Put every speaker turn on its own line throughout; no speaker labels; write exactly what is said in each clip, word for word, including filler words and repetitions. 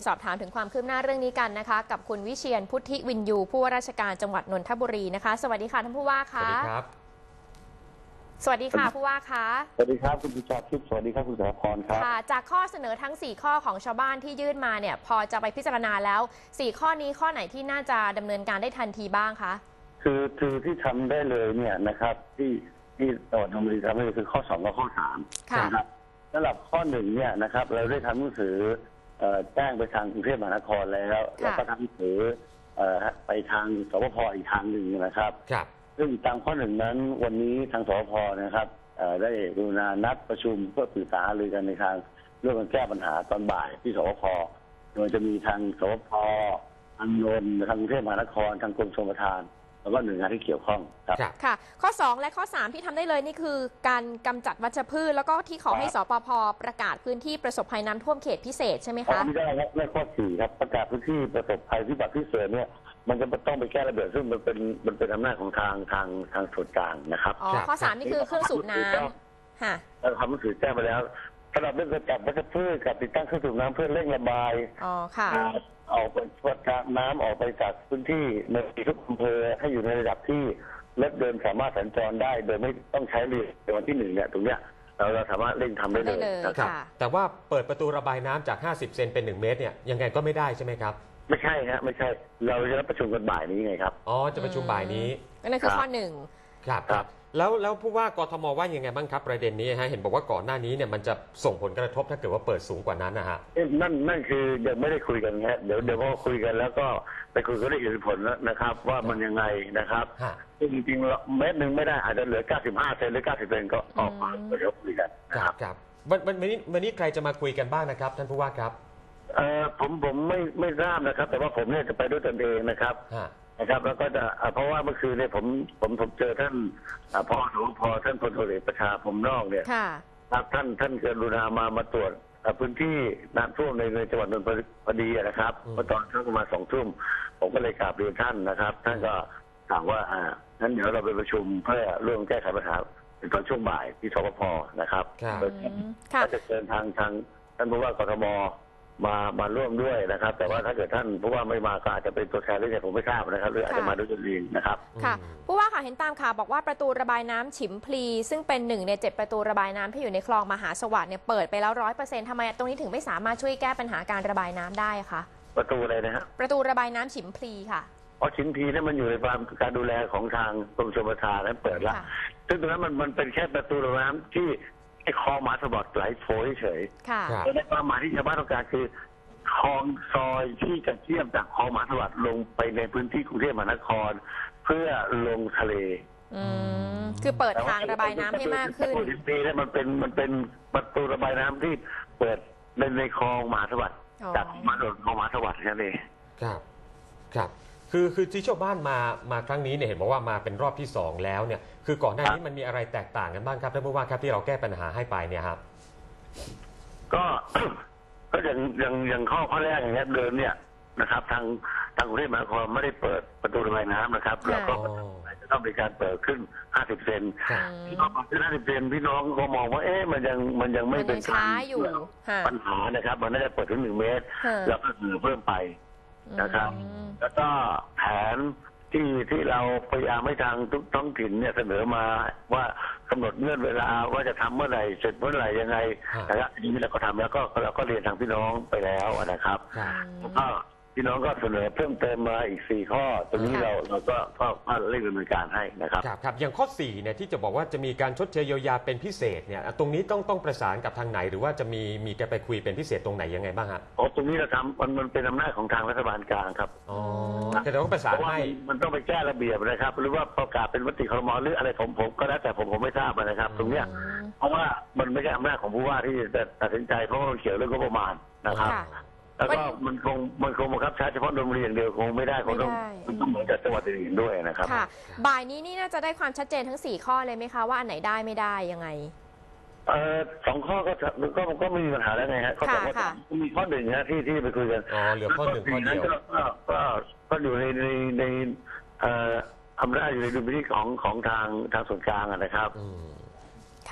สอบถามถึงความคืบหน้าเรื่องนี้กันนะคะกับคุณวิเชียรพุทธิวินยูผู้ว่าราชการจังหวัดนนทบุรีนะคะสวัสดีค่ะท่านผู้ว่าคะสวัสดีครับสวัสดีค่ะผู้ว่าคะ
สวัสดีครับคุณผู้ชมทิพย์สวัสดีครับคุณสถาพรครับ
ค่ะจากข้อเสนอทั้งสี่ข้อของชาวบ้านที่ยื่นมาเนี่ยพอจะไปพิจารณาแล้วสี่ข้อนี้ข้อไหนที่น่าจะดำเนินการได้ทันทีบ้างคะ
คือคือที่ทำได้เลยเนี่ยนะครับที่ที่จังหวัดนนทบุรีทำได้เลยคือข้อสองกับข้อสามนะครับสำหรับข้อหนึ่งเนี่ยนะครับเราได้ทำหนังสือแจ้งไปทางกรุงเทพมหานครแล้วแล้วก็ทำหนังสือไปทางสปภ.อีกทางหนึ่งนะครับซึ่งตามข้อหนึ่งนั้นวันนี้ทางสปภ.นะครับได้กรุณานัดประชุมเพื่อปรึกษาหารือกันในทางเรื่องการแก้ปัญหาตอนบ่ายที่สปภ.โดยจะมีทางสปภ.ทางนนท์ทางกรุงเทพมหานครทางกรมชลประทานแล้วก็หน่วยงานที่เกี่ยวข้องครับ
ค่ะข้อสองและข้อสามที่ทำได้เลยนี่คือการกำจัดวัชพืชแล้วก็ที่ขอให้สปภ.ประกาศพื้นที่ประสบภัยน้ำท่วมเขตพิเศษใช่ไหมคะ
ไม่ได้ครับในข้อสี่ครับประกาศพื้นที่ประสบภัยพิบัติพิเศษเนี่ยมันจะต้องไปแก้ระเบียบซึ่งมันเป็นมันเป็นอำนาจของทางทางทางส่วนกลางนะครับ
อ๋อข้อสามนี่คือเครื่องสูบน้ำค่ะ
เราทำหนังสือแจ้งไปแล้วสำหรับเรื่องการจัดวัชพืชกับติดตั้งเครื่องสูบน้ำเพื่อเร่งระบาย
อ๋อค่ะ
ออกไปวัดน้ำออกไปจากพื้นที่ในทุกอำเภอให้อยู่ในระดับที่รถเดินสามารถสัญจรได้โดยไม่ต้องใช้เรือในวันที่หนึ่งเนี่ยตรงเนี้ยเราเราสามารถเร่งทำได้เลย
นะครับ
แต่ว่าเปิดประตูระบายน้ำจากห้าสิบเซนเป็นหนึ่งเมตรเนี่ยยังไงก็ไม่ได้ใช่ไหมครับ
ไม่ใช่ฮะไม่ใช่เราจะรับประชุมกันบ่ายนี้ไงครับ
อ๋อจะประชุมบ่ายนี้
นั่นคือข้อหนึ่ง
ครับครับแล้วแล้วผู้ว่ากทมว่ายังไงบ้างครับประเด็นนี้ฮะเห็นบอกว่าก่อนหน้านี้เนี่ยมันจะส่งผลกระทบถ้าเกิดว่าเปิดสูงกว่านั้นนะฮะ
นั่นนั่นคือยังไม่ได้คุยกันฮะเดี๋ยวเดี๋ยวพอคุยกันแล้วก็ไปคุยกันได้เหตุผลนะครับว่ามันยังไงนะครับจริงๆเมตรหนึ่งไม่ได้อาจจะเหลือเก้าสิบห้าเซนหรือเก้าสิบเซนก็ออกมาเดี๋ยวคุยกัน
ครับครับวันวันนี้วันนี้ใครจะมาคุยกันบ้างนะครับท่านผู้ว่าครับ
เอ่อผมผมไม่ไม่ทราบนะครับแต่ว่าผมเนี่ยจะไปด้วยตนเองนะครับนะครับแล้วก็จะเพราะว่าเมื่อคืนเนี่ยผมผมผมเจอท่านพอสพท่านพลตำรวจเอกประชาพรหมนอกเนี่ยครับท่านท่านเกิดรุณามามาตรวจพื้นที่น้ำท่วมในในจังหวัดนนทบุรีพอดีนะครับเมื่อตอนช่วงประมาณสองทุ่มผมก็เลยกราบเรียนท่านนะครับท่านก็สั่งว่าอ่างั้นเดี๋ยวเราไปประชุมเพื่อร่วมแก้ไขปัญหาในตอนช่วงบ่ายที่สปภ.นะครับก็จะเชิญทางทางท่านผู้ว่ากทม.มามาร่วมด้วยนะครับแต่ว่าถ้าเกิดท่านผู้ว่าไม่มาก็อาจจะเป็นตัวแทนหรือไงผมไม่ทราบนะครับหรืออาจจะมาด้วยตนเองนะครับ
ค่ะผู้ว่าค่ะเห็นตามข่าวบอกว่าประตูระบายน้ำฉิมพลีซึ่งเป็นหนึ่งในเจ็ดประตูระบายน้ำที่อยู่ในคลองมหาสวัสดิ์เนี่ยเปิดไปแล้วร้อยเปอร์เซ็นต์ทำไมตรงนี้ถึงไม่สามารถช่วยแก้ปัญหาการระบายน้ำได้คะ
ประตูอะไรนะฮะ
ประตูระบายน้ำฉิมพลีค่ะ
อ๋อฉิมพลีนั่นมันอยู่ในความการดูแลของทางกรมชลประทานนั้นเปิดแล้วซึ่งตรงนั้นมันมันเป็นแค่ประตูระบายน้ำที่ไอ้คลองมหาสวัสดิ์ไหลโฟเฉยแต่ในความหมายที่ชาวบ้านต้องการคือคลองซอยที่จะเชื่อมจากคลองมหาสวัสดิ์ลงไปในพื้นที่กรุงเทพมหานครเพื่อลงทะเล
อืมคือเปิดทางระบายน้ำให้มากขึ้น
ปีนี้มันเป็นมันเป็นประตูระบายน้ำที่เปิดในในคลองมหาสวัสดิ์จากมาโดนคลองมหาสวัสดิ์แค่นี้
ครับครับคือคือที่ชาวบ้านมามาครั้งนี้เนี่ยเห็นบอกว่ามาเป็นรอบที่สองแล้วเนี่ยคือก่อนหน้านี้มันมีอะไรแตกต่างกันบ้างครับท่านผู้ว่าครับที่เราแก้ปัญหาให้ไปเนี่ยครับ
ก็ก็อย่างอย่างอย่างข้อข้อแรกอย่างเงี้ยเดิมเนี่ยนะครับทางทางกรุงเทพมหานครไม่ได้เปิดประตูระบายน้ำนะครับแล้วก็จะต้องมีการเปิดขึ้นห้าสิบเซนที่เขาเปิดขึ้นห้าสิบเซนพี่น้องก็มองว่าเอ๊ะมันยังมันยังไม่เป็น
การ
ปัญหานะครับมันน่าจะเปิดถึงหนึ่งเมตรแล้วก็คือเพิ่มไปนะครับแล้วก็แผนที่ที่เราพยายามให้ทางทุกท้องถิ่นเนี่ยเสนอมาว่ากำหนดเงื่อนเวลาว่าจะทำเมื่อไหร่เสร็จเมื่อไหร่ยังไงนะครับทีนี้เราก็ทำแล้วก็เราก็เรียนทางพี่น้องไปแล้วนะครับแล้วก็พี่น้องก็เสนอเพิ่มเติมมาอีกสี่ข้อตรงนี้เราเราก็ก็เร่งดำเนินการให้นะครับ
ครับครับอย่างข้อสี่เนี่ยที่จะบอกว่าจะมีการชดเชยเยียวยาเป็นพิเศษเนี่ยตรงนี้ต้องต้องประสานกับทางไหนหรือว่าจะมีมีการไปคุยเป็นพิเศษตรงไหนยังไงบ้างฮะ
อ๋อตรงนี้เราทำมันมันเป็นอำนาจของทางรัฐบาลกลางครับ
อ๋อแต่ต้องประสานให้
มันต้องไปแก้ระเบียบนะครับหรือว่าประกาศเป็นมติครม.หรืออะไรผมผมก็แล้วแต่ผมผมไม่ทราบนะครับตรงเนี้ยเพราะว่ามันไม่ใช่อำนาจของผู้ว่าที่จะตัดสินใจเพราะมันเกี่ยวเรื่องงบประมาณนะครับแล้วก็มันคงมันคงบังคับใช้เฉพาะโรงเรียนเดียวคงไม่ได้คงต้องมันต้องเหมือนกับจังหวัดอื่นด้วยนะครับ
ค่ะบ่ายนี้นี่น่าจะได้ความชัดเจนทั้งสี่ข้อเลยไหมคะว่าอันไหนได้ไม่ได้ยังไง
เอ่อสองข้อก็ก็ก็ไม่มีปัญหาแล้วไงฮะข้อสองข้อมีข้อหนึ่งนะที่ที่ไปคุยกัน
อ๋อเหลือข้อหนึ่งข้อเดียว
ก็ก็อยู่ในในในเอ่ออำนาจอยู่ในดุลพินิจของของทางทางส่วนกลางนะครับ
ค่ะ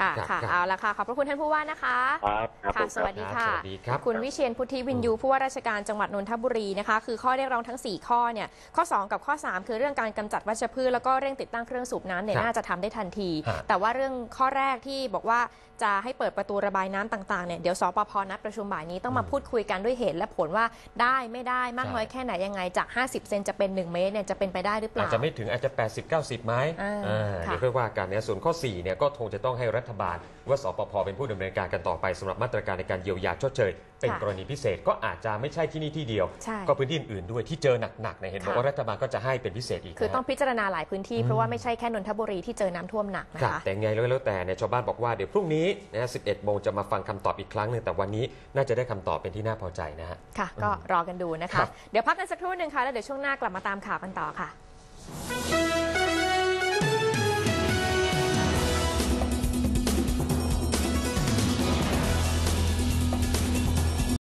ค่ะค่ะเอาละค่ะขอบพระคุณท่านผู้ว่านะคะ
ครับ
ค่ะสวัสดีค่ะ
สวัสดีครับ
คุณวิเชียรพุทธิวินยูผู้ว่าราชการจังหวัดนนทบุรีนะคะคือข้อเรียกร้องทั้งสี่ข้อเนี่ยข้อสองกับข้อสามคือเรื่องการกำจัดวัชพืชแล้วก็เร่งติดตั้งเครื่องสูบน้ำเนี่ยน่าจะทำได้ทันทีแต่ว่าเรื่องข้อแรกที่บอกว่าจะให้เปิดประตูระบายน้ำต่างๆเนี่ยเดี๋ยวสปภนัดประชุมบ่ายนี้ต้องมาพูดคุยกันด้วยเหตุและผลว่าได้ไม่ได้มากน้อยแค่ไหนยังไงจากห้าสิบเซนจะเป็นหนึ่งเมตรเนี่ยจะเป็นไปได้หรือเปล่า
อาจจะไม่ถึงอาจจะแปดสิบ เก้าสิบไหมเดี๋ยวค่อยว่ากันเนี่ยส่วนข้อสี่เนี่ยก็คงจะต้องให้รัฐบาลว่าสปภเป็นผู้ดำเนินการกันต่อไปสำหรับมาตรการในการเยียวยาชดเชยเป็นกรณีพิเศษก็อาจจะไม่ใช่ที่นี่ที่เดียวก็พื้นที่อื่นๆด้วยที่เจอหนักๆเนี่ยเห็นบอกว่ารัฐบาลก็จะให้เป็นพิเศษอีก
คือต้องพิจารณาหลายพื้นที่เพราะว่าไม่ใช่แค่นนทบุรีที่เจอน้ำท่วมหนักนะคะ
แต่ไงแล้วแต่เนี่ยชาวบ้านบอกว่าเดี๋ยวพรุ่งนี้นะสิบเอ็ดโมงจะมาฟังคำตอบอีกครั้งหนึ่งแต่วันนี้น่าจะได้คำตอบเป็นที่น่าพอใจนะฮะ
ค่ะก็รอกันดูนะคะเดี๋ยวพักกันสักครู่หนึ่งค่ะแล้วเดี๋ยวช่วงหน้ากลับมาตามข่าวกันต่อค่ะ